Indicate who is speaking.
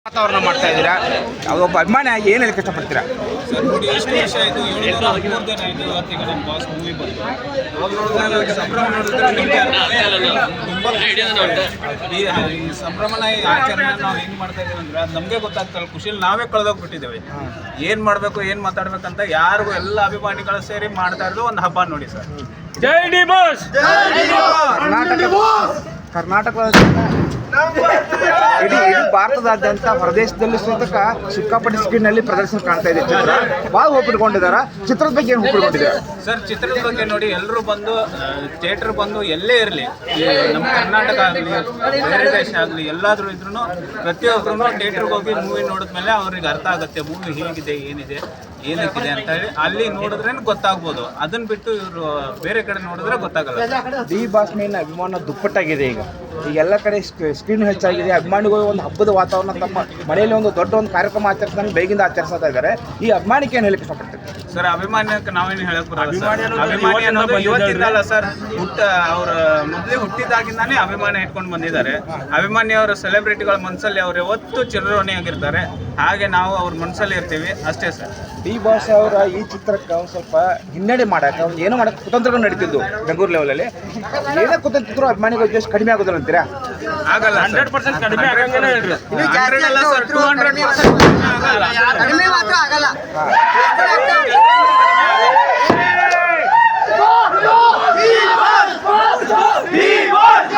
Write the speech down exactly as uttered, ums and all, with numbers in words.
Speaker 1: ವಾತಾವರಣ ಮಾಡ್ತಾ ಇದ್ದೀರಾ, ಒಬ್ಬ ಅಭಿಮಾನಿಯಾಗಿ ಏನು ಹೇಳಕ್ಕೆ ಇಷ್ಟಪಡ್ತೀರಾ?
Speaker 2: ಸರ್ ನೋಡಿ, ಎಷ್ಟು ವರ್ಷ ಆಯಿತು, ಏಳು ದಿನ ಮೂರು ದಿನ ಆಯಿತು. ಇವತ್ತಿಗೆ ನಮ್ಮ ಬಾಸ್ ಮೂವಿ ಬಂತು. ಅವಾಗ ನೋಡಿದ್ರೆ ಸಂಭ್ರಮ ನೋಡಿದ್ರೆ ತುಂಬ ಈ ಸಂಭ್ರಮನ ಈ ಆಚರಣೆ ನಾವು ಹೆಂಗೆ ಮಾಡ್ತಾ ಇದ್ದೀವಿ ಅಂದ್ರೆ ಅದು ನಮಗೆ ಗೊತ್ತಾಗ್ತಲ್ಲ, ಖುಷಿಯಲ್ಲಿ ನಾವೇ ಕಳೆದೋಗ್ಬಿಟ್ಟಿದ್ದೇವೆ. ಏನು ಮಾಡಬೇಕು ಏನು ಮಾತಾಡ್ಬೇಕಂತ ಯಾರಿಗೂ ಎಲ್ಲ ಅಭಿಮಾನಿಗಳು ಸೇರಿ ಮಾಡ್ತಾ ಇರೋದು ಒಂದು ಹಬ್ಬ ನೋಡಿ ಸರ್.
Speaker 3: ಜೈ ಡಿ ಬಾಸ್.
Speaker 1: ಕರ್ನಾಟಕ ಕರ್ನಾಟಕದ ಇಡೀ ಇಡೀ ಭಾರತದಾದ್ಯಂತ ಹೊರದೇಶದಲ್ಲಿ ಸೂತಕ ಸಿಕ್ಕಾಪಟ್ಟೆ ಸ್ಕ್ರೀನ್ನಲ್ಲಿ ಪ್ರದರ್ಶನ ಕಾಣ್ತಾ ಇದೆ. ಚಿತ್ರ ಭಾಳ ಒಪ್ಪಿಟ್ಕೊಂಡಿದ್ದಾರೆ. ಚಿತ್ರದ ಬಗ್ಗೆ ಏನು ಒಪ್ಪಿಟ್ಕೊಂಡಿದ್ದಾರೆ
Speaker 2: ಸರ್? ಚಿತ್ರದ ಬಗ್ಗೆ ನೋಡಿ, ಎಲ್ಲರೂ ಬಂದು ಥಿಯೇಟರ್ ಬಂದು ಎಲ್ಲೇ ಇರಲಿ, ನಮ್ಮ ಕರ್ನಾಟಕ ಆಗಲಿ ಬೇರೆ ದೇಶ ಆಗಲಿ ಎಲ್ಲಾದರೂ ಇದ್ರೂ ಪ್ರತಿಯೊಬ್ಬರೂ ಥಿಯೇಟ್ರಿಗೆ ಹೋಗಿ ಮೂವಿ ನೋಡಿದ್ಮೇಲೆ ಅವ್ರಿಗೆ ಅರ್ಥ ಆಗುತ್ತೆ ಮೂವಿ ಹೇಗಿದೆ, ಏನಿದೆ, ಏನಕ್ಕಿದೆ ಅಂತ ಹೇಳಿ ಅಲ್ಲಿ ನೋಡಿದ್ರೆ ಗೊತ್ತಾಗ್ಬೋದು. ಅದನ್ನ ಬಿಟ್ಟು ಇವರು ಬೇರೆ ಕಡೆ ನೋಡಿದ್ರೆ ಗೊತ್ತಾಗಲ್ಲ.
Speaker 1: ಡಿ ಬಾಸ್ ಮೇಲಿನ ಅಭಿಮಾನ ದುಪ್ಪಟ್ಟಾಗಿದೆ. ಈಗ ಈಗ ಎಲ್ಲ ಕಡೆ ಸ್ಕ್ರೀನ್ ಹೆಚ್ಚಾಗಿದೆ. ಅಭಿಮಾನಿಗಳು ಒಂದು ಹಬ್ಬದ ವಾತಾವರಣ ತಮ್ಮ ಮನೆಯಲ್ಲಿ ಒಂದು ದೊಡ್ಡ ಒಂದು ಕಾರ್ಯಕ್ರಮ ಆಚರಿಸಿದಂಗೆ ಬೇಗಿಂದ ಆಚರಿಸ್ತಾ ಇದ್ದಾರೆ. ಈ ಅಭಿಮಾನಿಗೆ ಏನು ಹೇಳಕ್ಕೆ ಇಷ್ಟಪಡ್ತೀವಿ?
Speaker 2: ಸರ್, ಅಭಿಮಾನಕ್ಕೆ ನಾವೇನು ಹೇಳಕ್ ಬರಲ್ಲ ಸರ್. ಅಭಿಮಾನಿ ಅನ್ನೋದು ಇವತ್ತಿಂದಲ್ಲ ಸರ್, ಹುಟ್ಟ ಅವ್ರ ಮೊದಲೇ ಹುಟ್ಟಿದಾಗಿಂದಾನೇ ಅಭಿಮಾನ ಇಟ್ಕೊಂಡು ಬಂದಿದ್ದಾರೆ. ಅಭಿಮಾನಿ ಅವರ ಸೆಲೆಬ್ರಿಟಿಗಳ ಮನಸ್ಸಲ್ಲಿ ಅವ್ರು ಯಾವತ್ತೂ ಚಿರಋಣಿಯಾಗಿರ್ತಾರೆ. ಹಾಗೆ ನಾವು ಅವ್ರ ಮನಸ್ಸಲ್ಲಿ ಇರ್ತೀವಿ ಅಷ್ಟೇ ಸರ್.
Speaker 1: ಡಿ ಬಾಸ್ ಅವರ ಈ ಚಿತ್ರಕ್ಕೆ ಒಂದು ಸ್ವಲ್ಪ ಹಿನ್ನಡೆ ಮಾಡಕ್ಕೆ ಒಂದು ಏನೋ ಮಾಡಕ್ಕೆ ಕುತಂತ್ರಗಳು ನಡೀತಿದ್ದು ಬೆಂಗಳೂರು ಲೆವೆಲಲ್ಲಿ. ಏನೇ ಕುತಂತ್ರ ಅಭಿಮಾನಿಗಳು ಜಸ್ಟ್ ಕಡಿಮೆ ಆಗೋದಿಲ್ಲ ಅಂತೀರಾ?
Speaker 2: ಆಗಲ್ಲ,
Speaker 3: ಹಂಡ್ರೆಡ್ ಪರ್ಸೆಂಟ್ ಕಡಿಮೆ ಆಗಂಗೇನೆ ಹೇಳ್ರಿ.
Speaker 2: ಹಂಡ್ರೆಡ್ ಅಲ್ಲ ಸರ್, ಟೂ ಹಂಡ್ರೆಡ್